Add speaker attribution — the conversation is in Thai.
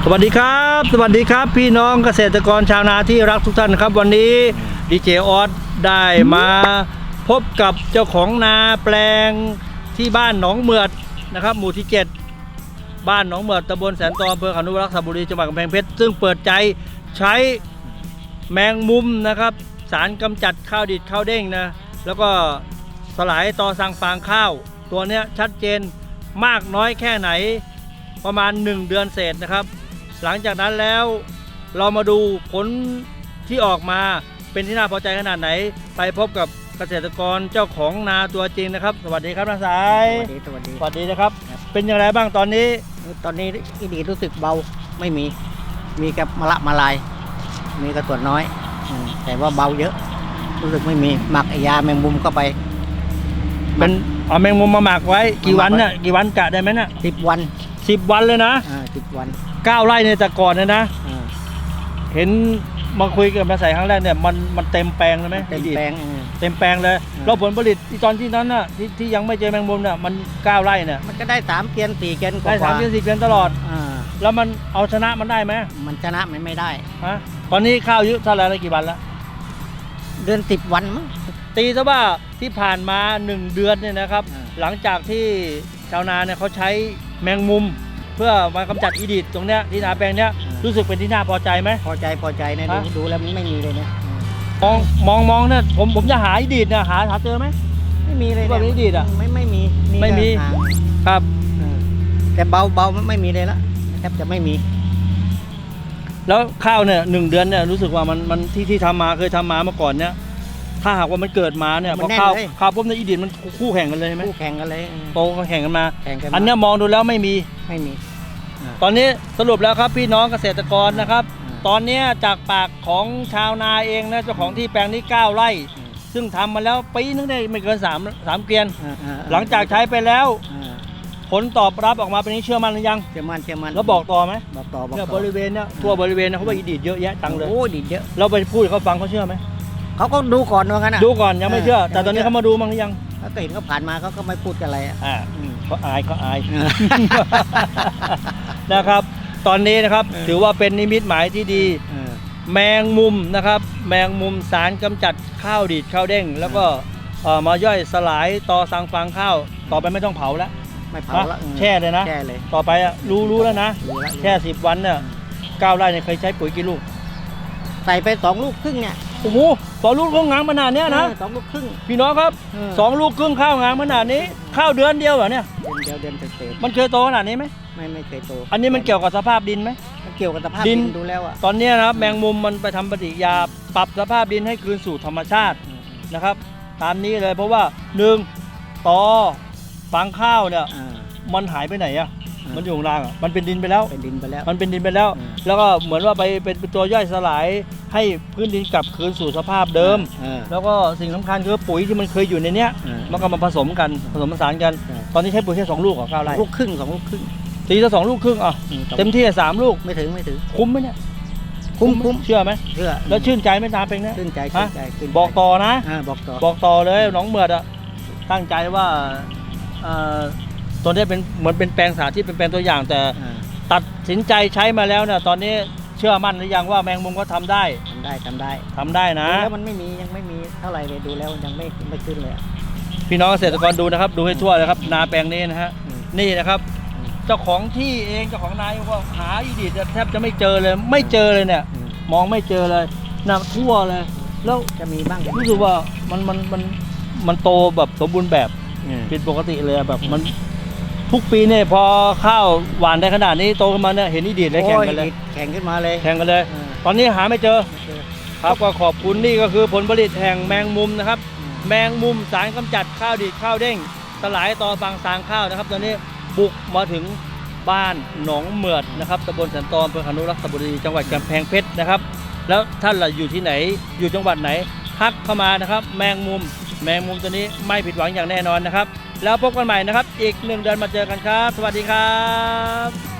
Speaker 1: สวัสดีครับสวัสดีครับพี่น้องเกษตรกรชาวนาที่รักทุกท่านครับวันนี้ดีเจออสได้มาพบกับเจ้าของนาแปลงที่บ้านหนองเมือดนะครับหมู่ที่ 7บ้านหนองเมือดตำบลแสนตออำเภอขานุวรักษ์สระบุรีจังหวัดกำแพงเพชรซึ่งเปิดใจใช้แมงมุมนะครับสารกำจัดข้าวดิบข้าวเด้งนะแล้วก็สลายตอสังฟางข้าวตัวเนี้ยชัดเจนมากน้อยแค่ไหนประมาณ1 เดือนเศษนะครับหลังจากนั้นแล้วเรามาดูผลที่ออกมาเป็นที่น่าพอใจขนาดไหนไปพบกับเกษตรกรเจ้าของนาตัวจริงนะครับสวัสดีครับน้าสาย
Speaker 2: สวัสดี
Speaker 1: นะครับเป็นอย่างไรบ้างตอนนี้
Speaker 2: อีดีรู้สึกเบาไม่มีกับมะละมาลายมีกระตัวน้อยแต่ว่าเบาเยอะรู้สึกไม่มีหมักยาแมงมุมเข้าไป
Speaker 1: เป็นเอาแมงมุมมาหมักไว้กี่วันเนี่ยกี่วันกะได้ไหมน่ะ
Speaker 2: 10 วัน
Speaker 1: 10 วันเลยนะ
Speaker 2: 10 วัน
Speaker 1: 9 ไร่ในแต่ก่อนเนี่ยนะเห็นมาคุยกับมาใส่ครั้งแรกเนี่ยมันเต็มแปลงเลยไหม
Speaker 2: เต็มแปลง
Speaker 1: เลยแล้วผลผลิตตอนที่นั้นน่ะที่ยังไม่เจอแมงมุมเนี่ยมัน9 ไร่เนี่ย
Speaker 2: มันก็ได้3 เกวียน 4 เกวียน
Speaker 1: ได้3 เกวียน 4 เกวียนตลอดแล้วมันเอาชนะมันได้ไหม
Speaker 2: มันชนะไม่ได้
Speaker 1: ฮะตอนนี้ข้าวอายุเท่าไหร่แล้วกี่วันแล้ว
Speaker 2: เดือน10 วันมั้ง
Speaker 1: ตีซะว่าที่ผ่านมา1 เดือนเนี่ยนะครับหลังจากที่ชาวนาเนี่ยเขาใช้แมงมุมเพื่อมากำจัดอีดิดตรงเนี้ยที่นาแปลงเนี้ยรู้สึกเป็นที่น่าพอใจไหม
Speaker 2: พอใจเนี่ยดูแล้วมันไม่มีเลยเนี่ย
Speaker 1: มองเนี่ยผมจะหาอีดิดเนี่ยหาเจอไหม
Speaker 2: ไม่มีเลย
Speaker 1: ว่าอีดิดอ่ะ
Speaker 2: ไม่มี
Speaker 1: ครับ
Speaker 2: แต่เบาไม่มีเลยละแทบจะไม่มี
Speaker 1: แล้วข้าวเนี่ย1 เดือนเนี่ยรู้สึกว่ามันที่ทำมาเคยทำมาเมื่อก่อนเนี่ยถ้าหากว่ามันเกิดมาเนี่ยพอข้าวปุ๊บในอีดิดมันคู่แข่งกันเลยไหม
Speaker 2: คู่แข่งกันเลย
Speaker 1: โตแข่งกันมาอันนี้มองดูแล้วไม่มีตอนนี้สรุปแล้วครับพี่น้องเกษตรกรนะครับตอนนี้จากปากของชาวนาเองนะเจ้าของที่แปลงนี้9 ไร่ซึ่งทำมาแล้วปีนึงได้ไม่เกิน3 เกวียนหลังจากใช้ไปแล้วผลตอบรับออกมาเป็นนี้เชื่อมั่นหรือยัง
Speaker 2: เชื่อมั่น
Speaker 1: แล้วบอกต่อไหม
Speaker 2: บอกต่อ
Speaker 1: เนี่ยบริเวณเนี่ยทั่วบริเวณเขาว่าอีดิดเยอะแยะจังเลย
Speaker 2: โอ้ดิดเยอะ
Speaker 1: เราไปพูดเขาฟังเขาเชื่อไหม
Speaker 2: เขาก็ดูก่อนว่างั้น
Speaker 1: ดูก่อนยังไม่เชื่อแต่ตอนนี้เขามาดูมั้งหรือยัง
Speaker 2: เขาเห็นเขาผ่านมาเขาก็ไม่พูดกันอะไร
Speaker 1: เขาอายนะครับตอนนี้นะครับถือว่าเป็นนิมิตหมายที่ดีแมงมุมนะครับแมงมุมสารกำจัดข้าวดิบข้าวเด้งแล้วก็มาย่อยสลายตอสังฟางข้าวต่อไปไม่ต้องเผาแล้ว
Speaker 2: ไม่เผาแล้ว
Speaker 1: แช่เลยนะต่อไปรู้แล้วนะแช่10 วันเนี่ย9 ไร่เนี่ยเคยใช้ปุ๋ยกี่ลูก
Speaker 2: ใส่ไป2 ลูกครึ่งเนี่ย
Speaker 1: โอ้โห2 ลูกงามขนาดนี้นะ
Speaker 2: 2 ลูกครึ่ง
Speaker 1: พี่น้องครับ2 ลูกครึ่งข้าวงามขนาดนี้ข้าวเดือนเดียวเหรอเนี่ย
Speaker 2: เดือนเศษ
Speaker 1: มันเคยโตขนาดนี้ไหม
Speaker 2: ไม่เคยโต
Speaker 1: อันนี้มันเกี่ยวกับสภาพดินไหม
Speaker 2: มันเกี่ยวกับสภาพดินดูแล้ว
Speaker 1: ตอนนี้นะครับแมงมุมมันไปทำปฏิกิริยาปรับสภาพดินให้คืนสู่ธรรมชาตินะครับตามนี้เลยเพราะว่า1ตอฟางข้าวเนี่ยมันหายไปไหนอะมันอยู่ข้างล่างอ่ะมันเป็นดินไปแล้วแล้วก็เหมือนว่าไปเป็นตัวย่อยสลายให้พื้นดินกลับคืนสู่สภาพเดิมแล้วก็สิ่งสำคัญคือปุ๋ยที่มันเคยอยู่ในเนี้ยมันก็มาผสมผสานกันตอนนี้ใช้ปุ๋ยแค่2 ลูกของ9 ไร่
Speaker 2: ลูกครึ่ง2 ลูกครึ่ง
Speaker 1: ตีละ2 ลูกครึ่งอ่ะเต็มที่3 ลูก
Speaker 2: ไม่ถึง
Speaker 1: คุ้มไหมเนี่ยคุ้มเชื่อไหม
Speaker 2: เชื่อ
Speaker 1: แล้วชื่นใจไหมตาเป็นนะ
Speaker 2: ชื่นใจ
Speaker 1: บอกต่อนะ
Speaker 2: บอก
Speaker 1: ต่อเลยน้องเมือดอ่ะตั้งใจว่าตัวนี้เป็นเหมือนเป็นแปลงสาธิตเป็นแปลงตัวอย่างแต่ตัดสินใจใช้มาแล้วเนี่ยตอนนี้เชื่อมั่นหรือยังว่าแมงมุมก็ทำได้นะ
Speaker 2: แล้วมันยังไม่มีเท่าไหร่เลยดูแล้วยังไม่ขึ้นเลย
Speaker 1: พี่น้องเกษตรกรดูนะครับดูให้ทั่วเลยครับนาแปลงนี้นะฮะนี่นะครับเจ้าของที่เองเจ้าของนาว่าหาอีดิดแทบจะไม่เจอเลยเนี่ยมองไม่เจอเลยนาทั่วเลยแล้ว
Speaker 2: จะมีบ้าง
Speaker 1: รู้สึกว่ามันโตแบบสมบูรณ์แบบผิดปกติเลยแบบมันทุกปีเนี่ยพอข้าวหวานได้ขนาดนี้โตขึ้นมาเนี่ยเห็นอีดิดเลยแข่งกันเลยตอนนี้หาไม่เจอครับก็ขอบคุณนี่ก็คือผลผลิตแห่งแมงมุมนะครับแมงมุมสารกำจัดข้าวดิบข้าวเด้งสลายตอฟางซางข้าวนะครับตอนนี้บุกมาถึงบ้านหนองเมือดนะครับตำบลแสนตออำเภอขานุวรักษ์สระบุรีจังหวัดกำแพงเพชรนะครับแล้วท่านล่ะอยู่ที่ไหนอยู่จังหวัดไหนทักเข้ามานะครับแมงมุมตัวนี้ไม่ผิดหวังอย่างแน่นอนนะครับแล้วพบกันใหม่นะครับอีก1 เดือนมาเจอกันครับสวัสดีครับ